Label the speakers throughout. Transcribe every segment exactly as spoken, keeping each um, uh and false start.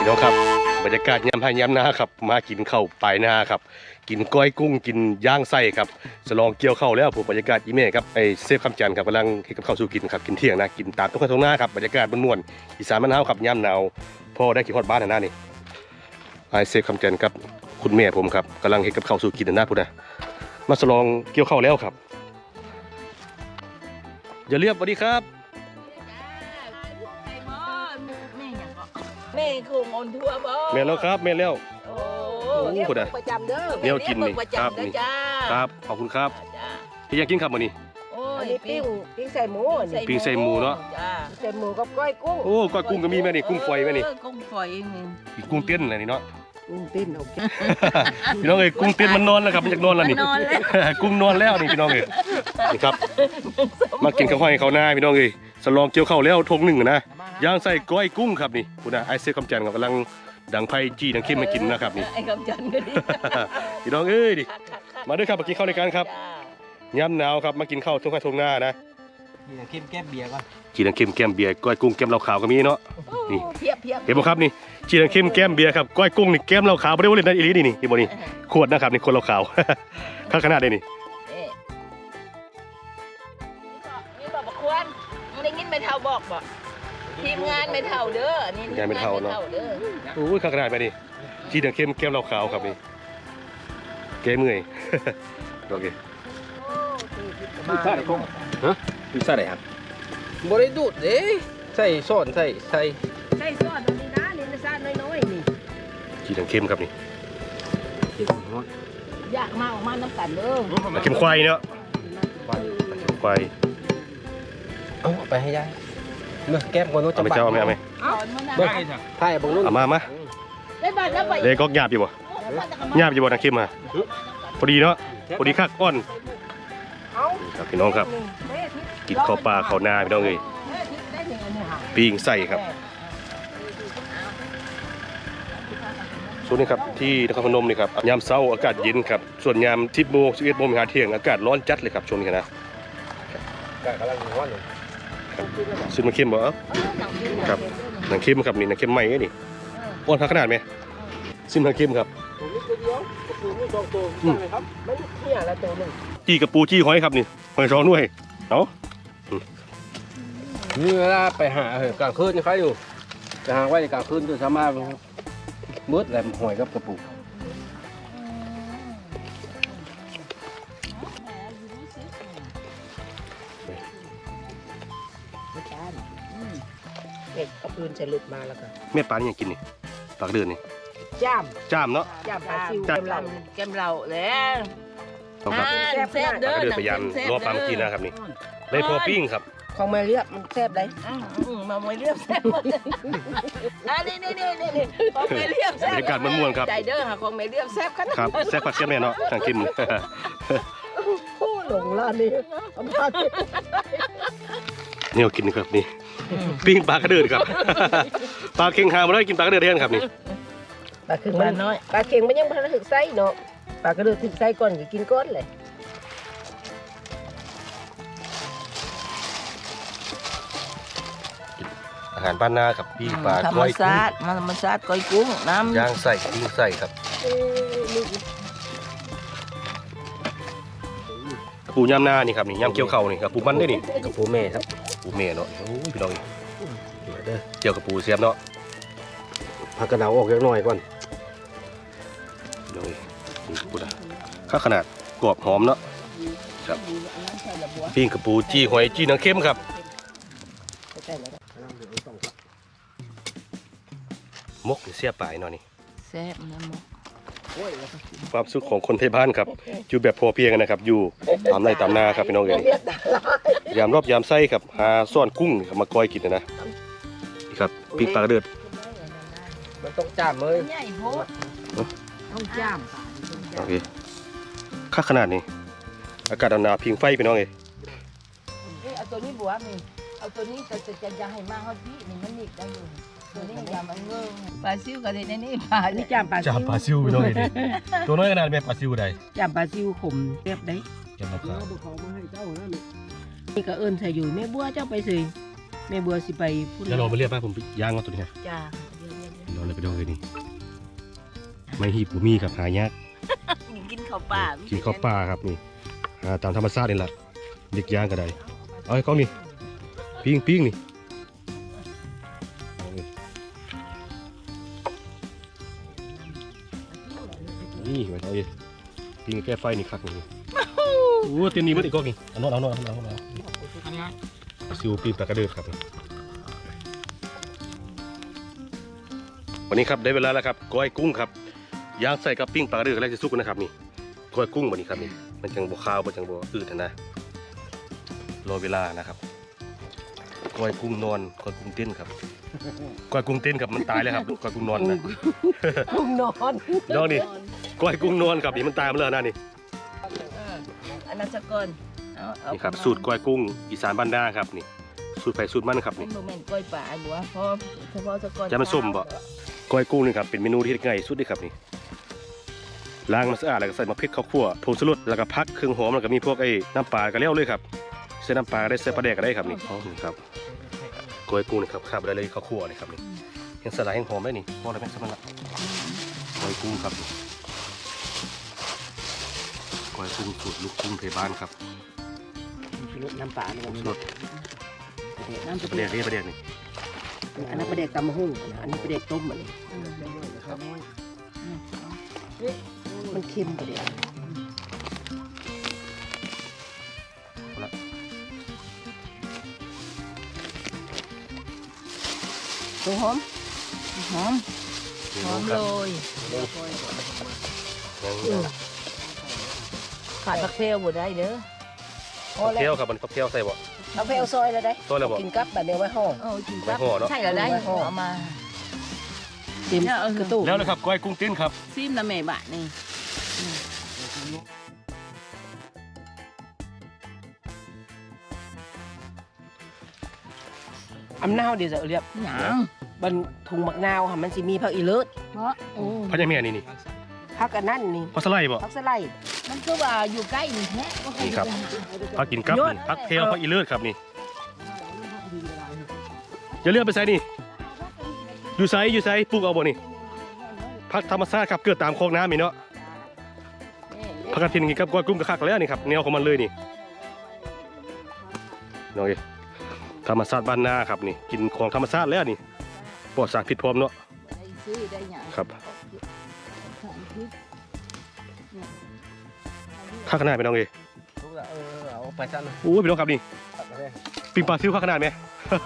Speaker 1: พี่น้องครับบรรยากาศยามให้ยามนาครับมากินข้าวปลายนาครับกินก้อยกุ้งกินย่างไส้ครับสลองเกี่ยวข้าวแล้วผมบรรยากาศอีเม่ครับไอเซฟคำจันทร์ครับกำลังเฮ็ดกับข้าวสู่กินครับกินเที่ยงนะกินตามต้นข้าวตรงหน้าครับบรรยากาศม่วนๆอีสานมะนาวครับยามหนาวพ่อได้ขี่ฮอดบ้านหน้านี่ไอเซฟคำจันทร์ครับคุณแม่ผมครับกำลังเฮ็ดกับข้าวสู่กินหน้าพุ่นนะมาสลองเกี่ยวข้าวแล้วครับอย่าเรียบสวัสดีครับ
Speaker 2: แม่คงอนทั่วบ่
Speaker 1: แม่แล้วครับแม่แล้ว
Speaker 2: โอ้
Speaker 1: โอ้โห
Speaker 2: ประจำเด้อ
Speaker 1: แนวกินนี่
Speaker 2: ประ
Speaker 1: ครับ
Speaker 2: จำเด้อ
Speaker 1: นี่
Speaker 2: จ้า
Speaker 1: ครับขอบคุณครับ
Speaker 2: จ้า
Speaker 1: ที่อยากกินครับมื้อนี้
Speaker 2: โอ้
Speaker 3: อั
Speaker 2: ย
Speaker 3: นนี้ปิ้งปิ้งใส่หมูนี่
Speaker 1: ปิ้งใส่หมูเนาะ
Speaker 2: จ้า
Speaker 3: ใส่หมูกับก้อยกุ้ง
Speaker 1: โอ้ก้อยกุ้งก็มีแม่นี่กุ้งฝอยแม่นี่
Speaker 2: เออกุ้งฝอยนี่
Speaker 1: อีกกุ้งเต้นอะไรนี่เนาะ
Speaker 3: กุ้งปิ้งเอา
Speaker 1: พี่น้องเอ้ยกุ้งเต้นมันนอนแล้วครับมันอยากนอนแล้วนี่
Speaker 2: นอนแล้ว
Speaker 1: กุ้งนอนแล้วนี่พี่น้องเอ้ยนี่ครับมากินข้าวห้อยข้าวหน้าพี่น้องเอ้ยสลองเกี่ยวข้าวแล้วทงหนึ่งนะย่างใส่ก้อยกุ้งครับนี่คุณน่ะไอเซฟคำจันทร์ครับกำลังดังไผ่จี้ดังเข้มมากินนะครับนี่
Speaker 2: ไอ้คำจันทร์ก็ดี
Speaker 1: พี่น้องเอ้ยดิ
Speaker 2: คักคักคัก
Speaker 1: มาด้วยครับมากินข้าวในการครับ
Speaker 2: จ้า
Speaker 1: ย้ำหนาวครับมากินข้าวทุ่งไร่ทุ่งนานะ
Speaker 4: นี่นะเข้มแก้มเบียร์ก่อน
Speaker 1: จีนังเข้มแก้มเบียร์ก้อยกุ้งแก้มเหล้าขาวก็มีเนาะ นี่
Speaker 2: โอ้เพียบเพียบ
Speaker 1: เห็นบ่ครับนี่จีนังเข้มแก้มเบียร์ครับก้อยกุ้งนี่แก้มเหล้าขาวไม่ได้ว่าเล่นได้อีหลีนี่นี่เห็นบ่นี่ขวดนะครับนี่คนเหล้าขาว ข้าขนาดได้นี่
Speaker 2: เอ๊ะนี่บอกบอกควรมึงได้ยินไม่เท่าบอกบ่ทีมงานไม่เท่าเด้อนี่ทีมเด้อ
Speaker 1: โอ้ยข้าขนาดไปนี่จีนังเข้มแก้มเหล้าขาวครับนี่แก้เมื่อย โอเค
Speaker 4: ดูซ่าไหนกล้องฮะดูซ่าไหนครับบริดูดเด้ใส่ซ่อนใส่ใส่
Speaker 3: ใส่ซอสอันนี้นะนี่นะซอสน้อยๆนี่
Speaker 1: จีนังเข้มครับนี่
Speaker 4: เก็บฮอต
Speaker 2: อยากมาออกมาน้ำกันเด้อ
Speaker 1: นังเข้มควายเนาะนังเข้มควาย
Speaker 4: เอาไปให้ยายเมื่อแก้มก่อนโน้ต
Speaker 1: เอาไปเจ้าเอาไหมเอาไหม
Speaker 2: เอามานะ
Speaker 4: เบิ้งถ่ายบังนุ่น
Speaker 1: เอามามา
Speaker 2: ได้บัตรแล้วไป
Speaker 1: เลยก็หยาบอยู่บ่หยาบอยู่บ่นังเข้มมาพอดีเนาะพอดีคักก้อน
Speaker 3: เอา
Speaker 1: ครับพี่น้องครับ
Speaker 3: แม่ทิพย์
Speaker 1: กินข้าวปลาข้าวนาพี่น้องเอ้ย
Speaker 2: ได้ถึงอันนี้ค่ะ
Speaker 1: ปิ้งไส้ครับส่วนนี้ครับที่นครพนมนี่ครับยามเช้าอากาศเย็นครับส่วนยามสิบโมงสิบเอ็ดโมงหาเที่ยงอากาศร้อนจัดเลยครับช่วงนี้นะ
Speaker 4: กำลังร้อนอยู่
Speaker 1: ซึ่งมันเข้มบ่เอ้าครับหนังเข้มครับนี่หนังเข้มใหม่นี่อ้วนขนาดไหมซึ่งหนังเข้มครับ
Speaker 4: ผมมีตัวเดียวกระปูมีสองตัวใช่ไหมครับ
Speaker 3: มันเนี่ยละตัวหนึง
Speaker 1: จี้กระปูจี้หอยครับนี่หอยช้อนด้วยเนาะ
Speaker 4: นี่เวลาไปหาเหอะกลางคืนนี่ใครอยู่จะหาไว้ในกลางคืนตัวสามารถมืดแหลมหอยกับกระปู
Speaker 3: เด็กเอาปืนใส่หลุดมาแล้วก็
Speaker 1: แม่ปลานี่ยังกินนี่ปลากระเดือนนี่
Speaker 3: จ้าม
Speaker 1: จ้ามเนาะ
Speaker 3: จ้ามปลาซิว
Speaker 1: จ้าม
Speaker 3: กำลัง
Speaker 2: แกมเราแล้ว
Speaker 1: เอาครับ
Speaker 2: แซ่บ
Speaker 1: ป
Speaker 2: เด้
Speaker 1: ลา
Speaker 2: อก
Speaker 1: ระเดือนพยายามรอปลาเมื่อกี้นะครับนี่ได้พอปิ้งครับ
Speaker 3: ของแม่เรียบมันแซ่บได้
Speaker 2: มาไม่เรียบแซ่บอ่ะนี่นี่นี่นี่นี่ของไม่เรียบแซ่
Speaker 1: บบ รรยากาศม่วนๆครับ
Speaker 2: ใจเด้อค่ะของไม่เรียบแซ่บขนาด
Speaker 1: ครับแซ่บผักแซ่บแม่เนาะทางกิน
Speaker 3: โอ้หลงละนี่เอามา
Speaker 1: เนี่ยกินครับนี่ปิ้งปลากระเดือนครับ ปลาเค็งหามาได้กินปลากระเดือนแทนครับนี่
Speaker 3: ปลาเค็งมันน้อยปลาเค็งมันยังพันถึกไส้เนาะปลากระเดือกถึกไส้ก่อนก็กินก้อนเลย
Speaker 1: อาหารบ้านนาครับปิ้งปลา
Speaker 2: ธรรม
Speaker 1: ก้อยกุ้ง
Speaker 2: ชาติธรรมชาติก้อยกุ้งน้ำ
Speaker 1: ย่างใส่ปิ้งใส่ครับปูย่ำหน้านี่ครับนี่ย่ำเกี๊ยวเข่านี่ครับปูมันได้นี่
Speaker 4: กระปูแม่ครับ
Speaker 1: ปูเมย์เนาะโอ้ยพี่น้องเจียวกับปูเสียบเนาะ
Speaker 4: พักกระเดาออกเล็กน้อยก่อน
Speaker 1: พี่น้องนี่ปูนะข้าขนาดกรอบหอมเนาะครับปิ้งกับปูจี้หอยจี้หนังเข้มครับ
Speaker 3: ใส่แล้ว
Speaker 1: มกเสียปลายเนาะนี่
Speaker 2: แซ่บนะหมอ
Speaker 1: ความสุขของคนไทยบ้านครับอยู่แบบพอเพียงกันนะครับ อยู่ตามไร่ตามนาครับพี่น้องเอ๋ยยามรอบยามไส้ครับหาซ่อนกุ้งครับมาก้อยกินนะนะนี่ครับปิ้งปลากระเดือด
Speaker 4: มันต้องจ้ามเลย
Speaker 2: ใหญ่โพด
Speaker 3: ต้องจ้าม
Speaker 1: โอเคค่าขนาดนี้อากาศหนาวๆพิงไฟพี่น้องเอ๋ย
Speaker 2: เอาตัวนี้บวกนี่เอาตัวนี้จะจะจะจะให้มาเขาพี่นี่มันนิดได้อยู่ตัวนี้อย่ามันเงยปลาซิวก็ได้ในนี้ปลา
Speaker 3: อันนี้จ้ามปลาซิ
Speaker 1: จ้าว ปลาซิวพี่น้องเอ๋ยตัวน้อยขนาดแม่ปลาซิวใด
Speaker 3: จ้ามปลาซิวขมแซ่บได้
Speaker 1: จำราคา
Speaker 3: นี่ก็เอิ้นใส่อยู่แม่บัวเจ้าไปสิแม่บัวสิไปพูด
Speaker 1: แล้วเราไปเรียกมาผมย่างมาตัวนี้
Speaker 2: จ้า
Speaker 1: นเราเลยไปดูเลยนี่ไม่หีบบุมีครับหายาก
Speaker 2: กินข้าวป่า
Speaker 1: กินข้าวปลาครับนี่หาตามธรรมชาตินี่แหละเด็กย่างก็ได้เอาไอ้กล้องนี่ปิ้งปิ้งนี่เอานี่นี่ไว้เอาดิปิ้งแก้ไฟนี่คักนี่โอ้เต็มนี้มันอีกกล้องนี่เอาโน่นเอาโน่นเอาโน่นเอาโน่นเอาซิวปิ้งปลากระเดิดครับวันนี้ครับได้เวลาแล้วครับก้อยกุ้งครับย่างใส่กับปิ้งปลากระเดิดแรกจะสุกนะครับนี่ก้อยกุ้งวันนี้ครับนี่มันจังบัวข้าวมันจังบัวอืดนะรอเวลานะครับก้อยกุ้งนอนก้อยกุ้งเต้นครับก้อยกุ้งเต้นครับมันตายแล้วครับก้อยกุ้งนอนนะ
Speaker 3: กุ้งนอน
Speaker 1: น้องนี่ก้อยกุ้งนอนครับนี่มันตายมาแล้วนะนี่
Speaker 2: อันนั้นสะก่อนเอาเอา
Speaker 1: นี่ครับสูตรก้อยกุ้งอีสานบ้านนาครับนี่สูตรไผ่สูตรมันครับ
Speaker 2: มั
Speaker 1: นี่
Speaker 2: นโมเมนต์กล้วยป่าบัวเพราะเฉพาะสะก่อน
Speaker 1: จะมาส้มบ่ก้อยกุ้งนี่ครับเป็นเมนูที่ง่ายสุดเลยครับนี่ล้างมันสะอาดแล้วก็ใส่มะพริกข้าวคั่วผงชูรสแล้วก็พักเครื่องหอมแล้วก็มีพวกไอ้น้ำปลาก็แล้วเลยครับใส่น้ำปลาก็ได้ใส่ปลาแดกก็ได้ครับนี่อ๋อนี่ครับก้อยกุ้งนี่ครับครับได้เลยข้าวคั่วนี่ครับนี่ยังสลายยังหอมได้นี่พอแล้วแม่สมันละก้อยกุ้งครับนี่ก้อยกุ้งสูตรลูกกุ้งไทยบ้านครับ
Speaker 3: น้ำปลาเนี่ย
Speaker 1: รส
Speaker 3: น้ำ
Speaker 1: ปลาแดกนี่ปลาแดกนี่
Speaker 3: อันนั้นประเด็กตำมะฮุ่งอันนี้ประเด็กต้มอันนี้มันเค็มประเด็ก
Speaker 2: ตัวหอมหอมหอมเลย ขาดผักเทลบ่ได้เด้อ
Speaker 1: ผักเที่ยวครับมันผักเที่ยวใส่บ่
Speaker 3: เอาไปเอาซอยแล้วได้
Speaker 1: ซอยแล้วบ่
Speaker 3: กินกับแบบเดียวไว้ห่อ
Speaker 2: เออกินกับ
Speaker 1: ไม่ห่อเนอะ
Speaker 2: ใช่แล้วได้เอามา
Speaker 3: เต็มกระตุก
Speaker 1: แล้วนะครับก้อยกุ้งเต้นครับ
Speaker 2: ซิมละแม่บะนี่
Speaker 3: อำนาวเดี๋ยวจะเรียบ
Speaker 2: หยัง
Speaker 3: บันถุงมักนาวค่ะมันสิมีผักอีเลิศ
Speaker 2: เพราะโอ้
Speaker 1: พันยาเมียนี่นี่
Speaker 3: ผักอันนั้นนี่
Speaker 1: พักสไลด์บ่
Speaker 3: ผักสไลด์
Speaker 2: มันก็ว่าอยู่ใกล้นี่แท้ก็
Speaker 1: นี่ครับ พักกินกับนี่พักเที่ยวพักอีเลือดครับนี่อย่าเลือกไปใส่นี่อยู่ไซอยู่ไซปลูกเอาบ่นี่พักธรรมชาติครับเกิดตามโคกน้ำนี่เนาะพักกระถินกินกับก้อยกุ้งกระคักแล้วนี่ครับแนวของมันเลยนี่น้องเอ๋ธรรมชาติบ้านนาครับนี่กินของธรรมชาติแล้วนี่ปลอดสารพิษพร้อมเนาะ
Speaker 2: ได้ซื้อได้หยัง
Speaker 1: ครับข้าขนาดไหมน้องเอ๋
Speaker 4: เออเอาไปซะนะ
Speaker 1: โอ้ยพี่น้องครับนี่ปิงปลาซิวข้าขนาดไหม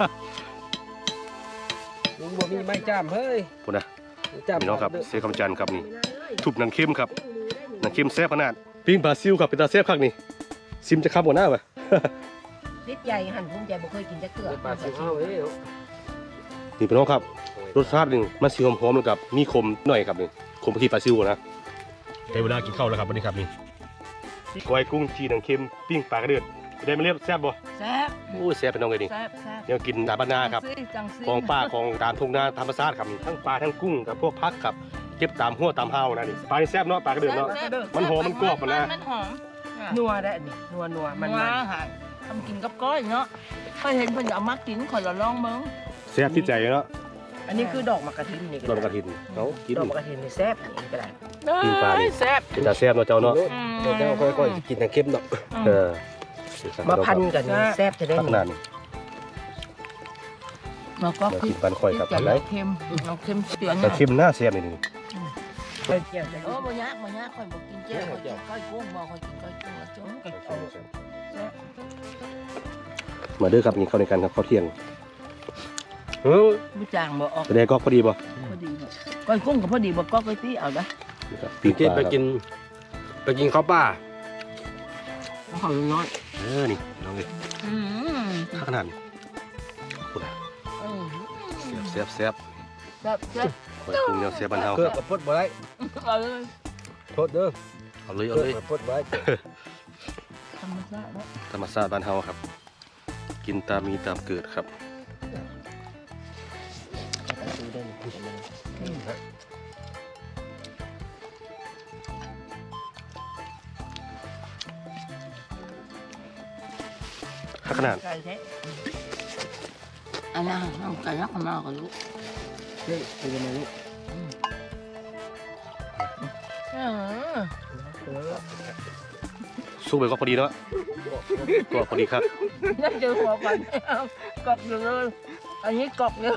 Speaker 4: ลุงบ่มีไม้จ้ามเฮ้ย
Speaker 1: พูดนะพี่น้องครับเสียคำจันทร์ครับนี่ทุบหนังเข้มครับหนังเข้มแซ่บขนาดปิ้งปลาซิวครับเป็นตาแซ่บคักนี่ซิมจะข้ามหัวหน้าปะ
Speaker 3: นิดใหญ่หั่นภูมิใจบ่เคยกินจักเกลือ
Speaker 4: ปลาซิวเอาเอ้ย
Speaker 1: นี่พี่น้องครับรสชาติหนึ่งมันสีหอมๆแล้วกับมีคมหน่อยครับนี่คมที่ปลาซิวนะได้เวลากินข้าวแล้วครับวันนี้ครับนี่ก้อยกุ้งจีหนังเข้มปิ้งปลากระเดือดได้มาเรียบแซ่บบ่
Speaker 2: แซ่บ
Speaker 1: โอ้ยแซ่บพี่น้องเลยนี่
Speaker 2: แซ่บแซ่บ
Speaker 1: เนี่ยกินนาบ้านนาครับ
Speaker 2: ซื้อจังซื้
Speaker 1: ของป่าของตามทุ่งนาธรรมชาติครับนี่ทั้งปลาทั้งกุ้งกับพวกพักครับเก็บตามหัวตามเฮานะนี่ปลานี่แซ่บเนาะปลากระเดือดเนาะ
Speaker 2: แซ่บ
Speaker 1: มันหอมมันกรอบมันนะ
Speaker 2: มันหอม
Speaker 3: นัวได้นี่นัวนัวมัน
Speaker 2: มั
Speaker 3: มัน น
Speaker 2: หาทำกินกับก้อยเนาะเคยเห็นเพิ่นเอามากินขอยละลองเบิ่ง
Speaker 1: แซ่บที่ใจเนาะ
Speaker 3: อันนี้คือดอกมะกระถินนี่
Speaker 1: ดอกกระถินเขากิน
Speaker 3: ดอกมะกระถินนี่แซ่บนี่ก็ได้
Speaker 1: กินปลานี่
Speaker 2: แซ่บ
Speaker 1: เป็นตาแซ่บเนาะเจ้าเนาะ
Speaker 4: เดี๋ยวเจ้าค่อยๆกินทางเข้มดอก
Speaker 1: เออ
Speaker 3: มาพันกันนี่แซ่บจะได้
Speaker 1: พัก
Speaker 3: นี่
Speaker 1: นานนี่
Speaker 2: แล้วก็
Speaker 1: มา
Speaker 2: คือ
Speaker 1: กินปันข่อยครับ
Speaker 2: จะ
Speaker 1: อะไร
Speaker 2: เค็มเอาเค็มเสีย
Speaker 1: แต่
Speaker 2: เนาะ
Speaker 1: ชิมหน้าแซ่บนี่นี่
Speaker 3: ไปเกี่ยวจะ
Speaker 2: โอ้บ่ยากบ่ยากข่อยบ่กินเจ้ข่อยกินก้อยกุ้งบ่ข่อยกินก้อยกุ้งแล้วจ้ะก้อยกุ้ง
Speaker 1: มาเด้อครับกินข้าวในกันครับข้าวเที่ยง
Speaker 4: เออ
Speaker 2: บ่จางบ่ออก
Speaker 1: ไปได้ก็พอดีบ่
Speaker 2: พอดีบ่ก้อยกุ้งก็พอดีบ่ก็ก้อยตี้เอาเด้อ
Speaker 1: นี่ครับ
Speaker 4: ไปกินไปกินไปกินข้าวป่า
Speaker 2: ข้าวน้อย
Speaker 1: เออนี่น้องเอ้ย
Speaker 2: อืม
Speaker 1: ข้าวขนาดนี่พูดนะ
Speaker 2: เออ
Speaker 1: แซ่บแซ่บ
Speaker 2: แซ่บแซ่บ
Speaker 1: ข่อยปรุงแนวแซ่บบ้านเฮา
Speaker 4: เกลือกับพดบ่ได้
Speaker 2: เอาเลย
Speaker 4: โทษเด้อ
Speaker 1: เอาเลย
Speaker 4: เก
Speaker 1: เอา
Speaker 4: ลื
Speaker 1: เล
Speaker 4: อย กับพดบ่ได้
Speaker 2: ธรรมชาติเนาะ
Speaker 1: ธรรมชาติบ้านเฮาครับ กินตามมีตามเกิดครับข้าวขนาด
Speaker 2: ไก่แท้อันนั้นน้ำไก่ยักษ์มาก็รู้
Speaker 4: ฮ้ยเป็นยังไงลูก
Speaker 2: อืม
Speaker 1: สู้ไปก็พอดีเนาะก็พอดีครับ
Speaker 2: นั่นเจอหัวกันกรอบอยู่เลยอันนี้กรอบเลย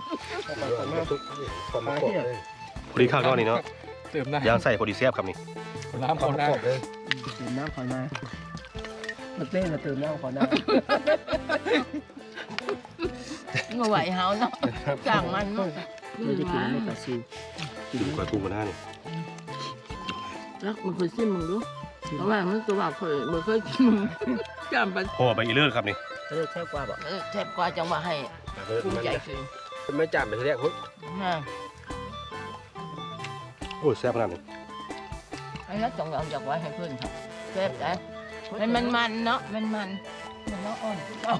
Speaker 4: ความมาที่
Speaker 1: พอดีข้าวเนาะนี่เนาะ
Speaker 4: เติมน้
Speaker 1: ย่างใส่พอดีแซ่บครับนี่
Speaker 4: ำน้ำเขาหน้า
Speaker 3: เติมน้ำขอน้ำมาเต้นมาเติมน้ำขอน้ำ
Speaker 2: งไหวเฮาเนาะสั่งมันเนาะ
Speaker 3: มันจะกินไม่กระซู
Speaker 1: กินกล้วยกุ้งกันหน้านี่
Speaker 2: แล้วมันเคยซิมมึงดูเพราะว่ามันตัวว่าเคยมันเคยกินจำไป
Speaker 1: พอไปอีเลิศครับนี่
Speaker 3: เออแค่กว่าบอก
Speaker 2: เออแทบกว่าจังว่าให้ภูมิใจคือ
Speaker 4: ไม่จำไปทีแรกคุณ
Speaker 2: ฮะ
Speaker 1: โอ้ยแซ่บขนาดนี้
Speaker 2: ไอ้นักจงเอาจากไว้ให้เพื่อนครับแซ่บแต่มันมันมันเนาะมันมันมันเนาะอ่อน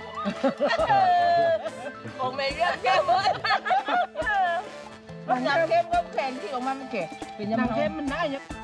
Speaker 2: คงไม่เรียกแค่เพื่อนมันน้ำเข้มก็แข็งที่ออกมามันแข็งเป็นยังไงเข้มมันได้ยัง